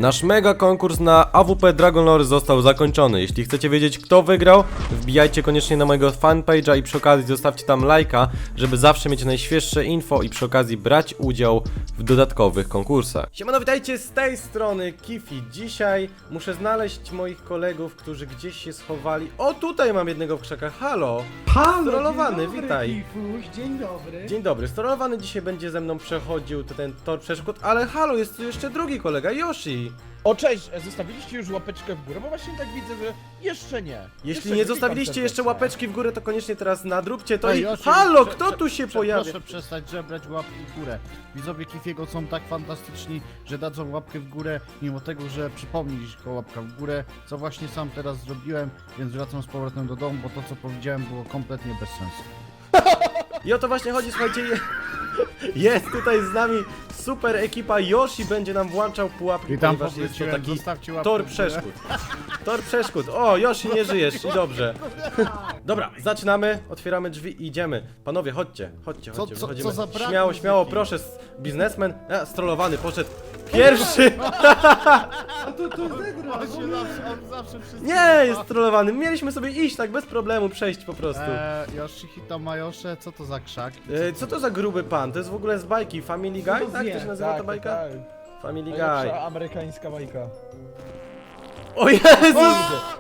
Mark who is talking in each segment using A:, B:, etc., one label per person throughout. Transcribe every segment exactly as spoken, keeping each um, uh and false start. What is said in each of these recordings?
A: Nasz mega konkurs na A W P Dragon Lore został zakończony. Jeśli chcecie wiedzieć, kto wygrał, wbijajcie koniecznie na mojego fanpage'a i przy okazji zostawcie tam lajka, żeby zawsze mieć najświeższe info i przy okazji brać udział w dodatkowych konkursach. Siemano, witajcie z tej strony Kifi. Dzisiaj muszę znaleźć moich kolegów, którzy gdzieś się schowali. O, tutaj mam jednego w krzakach. Halo!
B: Halo,
A: Strolowany,
B: dzień dobry,
A: witaj.
B: Kifuś, dzień dobry.
A: Dzień dobry, Strolowany dzisiaj będzie ze mną przechodził ten tor przeszkód, ale halo, jest tu jeszcze drugi kolega, Yoshi.
C: O, cześć! Zostawiliście już łapeczkę w górę, bo właśnie tak widzę, że jeszcze nie.
A: Jeśli
C: jeszcze
A: nie
C: witam
A: zostawiliście jeszcze
C: serdecznie.
A: łapeczki w górę, to koniecznie teraz nadróbcie to
D: Ej,
A: i...
D: Yoshi,
A: Halo,
D: prze-
A: kto
D: prze-
A: tu się
D: prze-
A: pojawia?
D: Proszę przestać żebrać łapki w górę. Widzowie Kifiego są tak fantastyczni, że dadzą łapkę w górę, mimo tego, że przypomnieli tylko łapka w górę, co właśnie sam teraz zrobiłem, więc wracam z powrotem do domu, bo to co powiedziałem było kompletnie bez sensu.
A: I o to właśnie chodzi, słuchajcie, je- jest tutaj z nami super ekipa, Yoshi będzie nam włączał pułapki,
D: Witam,
A: ponieważ jest to
D: powróciłem,
A: taki
D: zostawcie łapkę
A: tor
D: w górę.
A: przeszkód. Tor przeszkód, o, Yoshi, nie żyjesz i dobrze. Dobra, zaczynamy, otwieramy drzwi i idziemy. Panowie, chodźcie, chodźcie,
D: Co-
A: chodźcie,
D: co-
A: wychodzimy.
D: co za brak
A: Śmiało,
D: muzyki.
A: śmiało, proszę, s- biznesmen, a, strollowany, poszedł pierwszy.
B: A to to zegra,
D: On się zawsze, on zawsze wszystko
A: Nie,
D: ma.
A: jest trollowany. Mieliśmy sobie iść tak bez problemu, przejść po prostu.
D: Eee, Yoshihito Majosze, co to za krzak?
A: E, co to za gruby pan? To jest w ogóle z bajki Family Guy?
B: to
A: Tak?
B: wie?
A: To się nazywa ta
C: Tak,
A: bajka?
C: tak.
A: Family Guy.
C: Najlepsza amerykańska bajka.
A: O Jezus!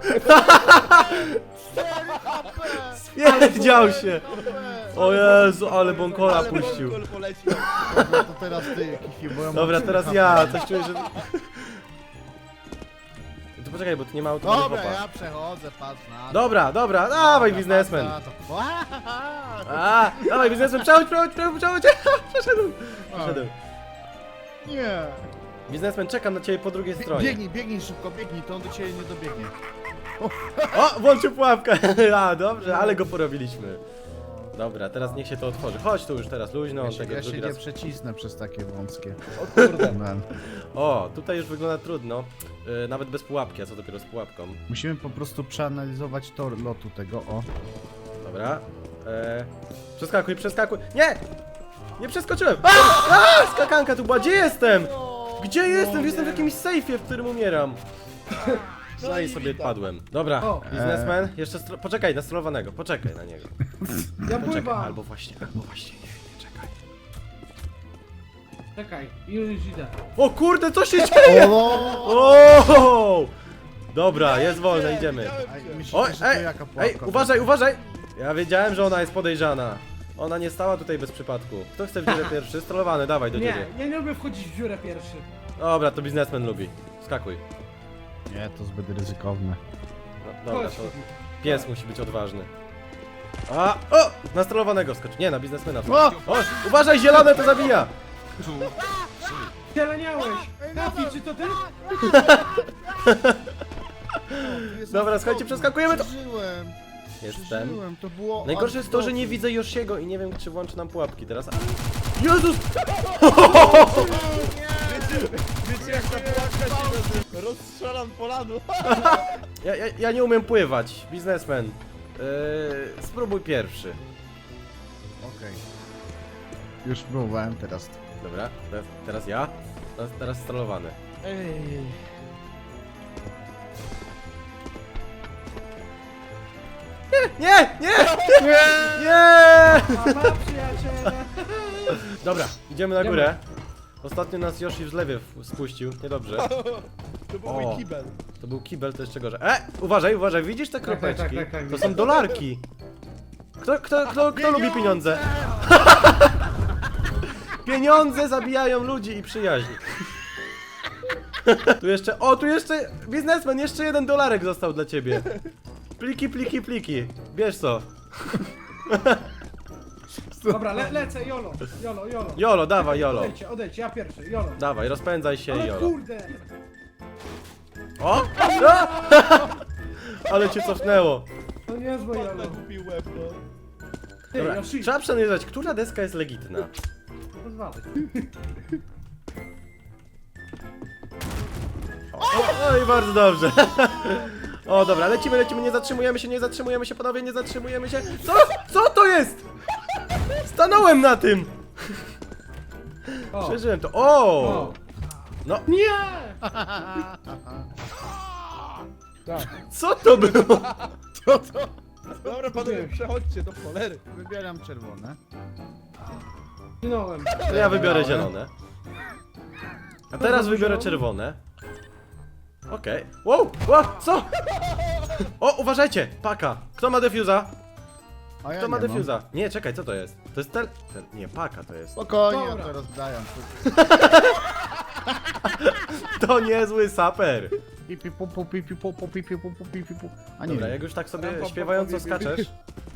A: Spierdział się! O Jezu, ale bąkola
C: Ale
A: puścił.
C: Bąkol polecił.
D: Dobra, to teraz ty, Kifi, bo ja mam
A: Dobra,
D: trzy
A: teraz
D: H P.
A: ja, coś czuję, że... To poczekaj, bo tu nie ma auto.
D: Dobra, ja przechodzę, patrz na to.
A: Dobra, dobra, dawaj
D: Dobra,
A: biznesmen.
D: patrz na to.
A: A, dawaj biznesmen, przechodź, przechodź, przechodź, przechodź. Przeszedłem, przeszedłem.
D: Nie.
A: Biznesmen, czekam na ciebie po drugiej stronie.
D: Biegnij, biegnij szybko, biegnij, to on do ciebie nie dobiegnie.
A: O, włączył pułapkę. A, dobrze, ale go porobiliśmy. Dobra, teraz niech się to otworzy. Chodź tu już teraz luźno,
D: Ja
A: on
D: się,
A: tego
D: ja się
A: drugi
D: nie
A: raz.
D: przecisnę przez takie wąskie.
C: O kurde.
D: Man.
A: O, tutaj już wygląda trudno. Yy, nawet bez pułapki, a co dopiero z pułapką.
D: Musimy po prostu przeanalizować tor lotu tego, o.
A: Dobra. Eee, przeskakuj, przeskakuj. Nie! Nie przeskoczyłem! A! A! Skakanka tu była, gdzie jestem? Gdzie jestem? Jestem w jakimś sejfie, w którym umieram. No i sobie padłem. Dobra,
B: O.
A: biznesmen, jeszcze stro... poczekaj na strolowanego, poczekaj na niego.
B: Ja
A: Poczekaj,
B: pływam.
A: albo właśnie, albo właśnie, nie, nie, czekaj.
B: Czekaj, już idę.
A: O kurde, co się dzieje? O! Dobra, jest wolne, idziemy.
D: Ej, myślicie,
A: Oj,
D: że to
A: ej,
D: jaka
A: ej,
D: pułapka?
A: uważaj, uważaj! Ja wiedziałem, że ona jest podejrzana. Ona nie stała tutaj bez przypadku. Kto chce w dziurę pierwszy? Strollowany, dawaj do
B: Nie,
A: dziury.
B: ja nie lubię wchodzić w dziurę pierwszy.
A: Dobra, to biznesmen lubi. Skakuj.
D: Nie, to zbyt ryzykowne.
A: No, dobra,
B: Chodź.
A: to pies musi być odważny. A, o! Na strollowanego skocz. Nie, na biznesmena.
D: O!
A: O, uważaj, zielone to zabija!
B: Zieleniałeś! Kafi, czy to ty?
A: Dobra, słuchajcie, przeskakujemy to.
D: Przeżyłem,
A: Jestem.
D: przeżyłem, to było...
A: Najgorsze jest to, że nie widzę Yoshiego i nie wiem, czy włączy nam pułapki teraz. A... Jezus!
C: Wiecie jak ta pułapka się nazywa? Rozstrzelam polanu.
A: Ja, ja, ja nie umiem pływać, biznesmen. Yy, spróbuj pierwszy.
D: Okej. Już próbowałem teraz.
A: Dobra, teraz, teraz ja. Teraz, teraz strollowany.
C: Ej.
A: Nie! Nie! Nie! Nie!
B: Mama, przyjaciele!
A: Dobra, idziemy na górę. Ostatnio nas Yoshi w zlewie w- spuścił, niedobrze.
C: To był
A: O.
C: mój kibel.
A: To był kibel, to jeszcze gorzej. E! Uważaj, uważaj, widzisz te
B: Tak, tak,
A: kropeczki?
B: tak, tak, tak,
A: To
B: widzę.
A: są dolarki. Kto, kto, kto, kto lubi pieniądze? Pieniądze zabijają ludzi i przyjaźń. Tu jeszcze, o tu jeszcze, biznesmen, jeszcze jeden dolarek został dla ciebie. Pliki, pliki, pliki. Bierz co.
B: Dobra, le lecę, jolo, jolo, jolo.
A: Jolo, dawaj, jolo.
B: Odejdźcie, odejdźcie, ja pierwszy, jolo.
A: Dawaj, rozpędzaj się i
B: Ale
A: jolo.
B: kurde!
A: O! A! Ale cię cofnęło.
B: To nie jest moje jolo.
C: Ale kupił łeb, no.
B: Ty,
A: Dobra,
B: Yoshi,
A: trzeba przeanalizować, która deska jest legitna.
B: pozwalaj.
A: O, i bardzo dobrze. O, dobra, lecimy, lecimy, nie zatrzymujemy się, nie zatrzymujemy się, panowie, nie zatrzymujemy się. Co? Co to jest? Stanąłem na tym.
B: O,
A: Przeżyłem to. O!
B: o.
A: No,
B: Nie!
C: Tak.
A: Co to było?
D: Co to?
C: Dobra panowie, przechodźcie do cholery.
D: Wybieram czerwone.
B: Zginąłem.
A: To ja wybiorę zielone. A teraz wybiorę czerwone. Okej. Wow, wow, co? O, uważajcie, paka. Kto ma defuza?
D: A ja
A: Kto ma
D: nie mam.
A: defuza? Nie, czekaj, co to jest? To jest tel... tel... Nie, paka to jest.
D: Spokojnie,
B: Dobra.
D: to rozdaję.
A: To niezły saper.
D: Pipi pupu, pipi pupu, pipi pupu, pipi pupu. A nie
A: Dobra,
D: wiem.
A: jak już tak sobie
C: Ram, pam,
A: śpiewająco
C: pam, pam,
A: skaczesz.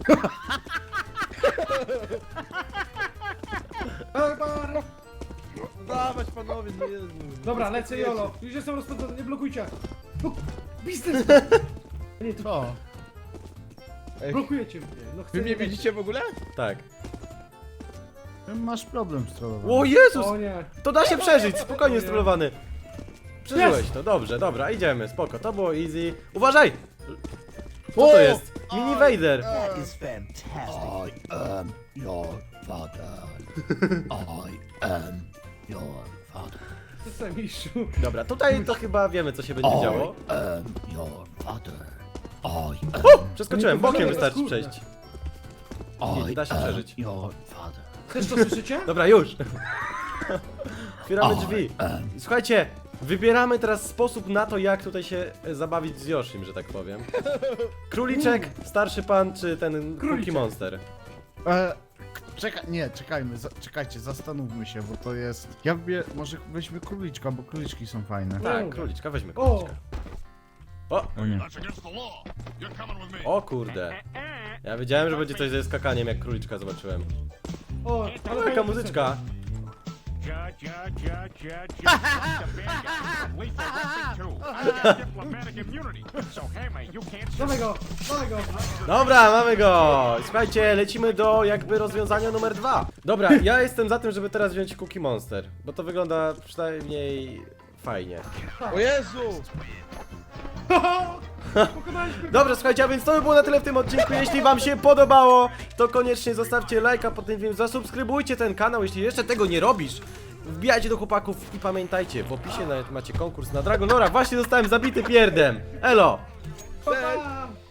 B: Barbar.
C: Dawać panowie, no Jezu.
B: Dobra, lecę Jolo. Już jestem rozpędzony, nie blokujcie. Blok- Biznes. Nie, to
D: Co?
C: Ej,
B: blokujecie mnie. No chcę
C: wy mnie widzicie w ogóle?
A: Tak.
D: Masz problem z trollowaniem.
A: O Jezus!
B: O nie.
A: To da się przeżyć, spokojnie strollowany. Przeżyłeś to, dobrze, dobra, idziemy, spoko, to było easy. Uważaj! Co to jest? Mini Vader!
E: is fantastic.
F: I am your father. I am your father.
B: Jestem mistrzu.
A: Dobra, tutaj to chyba wiemy, co się będzie działo.
F: I am your father. I am,
A: O! Przeskoczyłem,
B: Nie, to
A: bokiem
B: wygląda
A: wystarczy
B: skórne.
A: przejść.
F: I
A: da się
F: am
A: przeżyć.
F: your father.
B: Też to słyszycie?
A: Dobra, już! Otwieramy
F: I
A: drzwi.
F: am
A: Słuchajcie, wybieramy teraz sposób na to, jak tutaj się e, zabawić z Yoshim, że tak powiem. Króliczek, starszy pan, czy ten Cookie
B: Króliczek.
A: Monster?
D: E, czeka, nie, czekajmy, za, czekajcie, zastanówmy się, bo to jest... Ja wybie, może weźmy króliczka, bo króliczki są fajne.
A: Tak,
B: Dobra.
A: króliczka, weźmy
B: O!
A: króliczka. O!
D: O nie.
A: O kurde. Ja wiedziałem, że będzie coś ze skakaniem, jak króliczka zobaczyłem.
B: O,
A: Ale
B: ale
A: taka muzyczka.
G: Ja, ja, ja, ja, ja, the bad guys from lethal weapon two. I got diplomatic immunity, so Hammer, you can't
B: Dawaj go, dawaj go.
A: Dobra, mamy go! Słuchajcie, lecimy do jakby rozwiązania numer dwa. Dobra, ja jestem za tym, żeby teraz wziąć Cookie Monster, bo to wygląda przynajmniej fajnie.
C: O Jezu!
B: Pokonaliśmy.
A: Dobrze, słuchajcie, a więc to by było na tyle w tym odcinku. Jeśli wam się podobało, to koniecznie zostawcie lajka pod tym filmem, zasubskrybujcie ten kanał, jeśli jeszcze tego nie robisz. Wbijajcie do chłopaków i pamiętajcie, w opisie nawet macie konkurs na Dragonora. Właśnie zostałem zabity pierdem. Elo!
B: Pa, pa.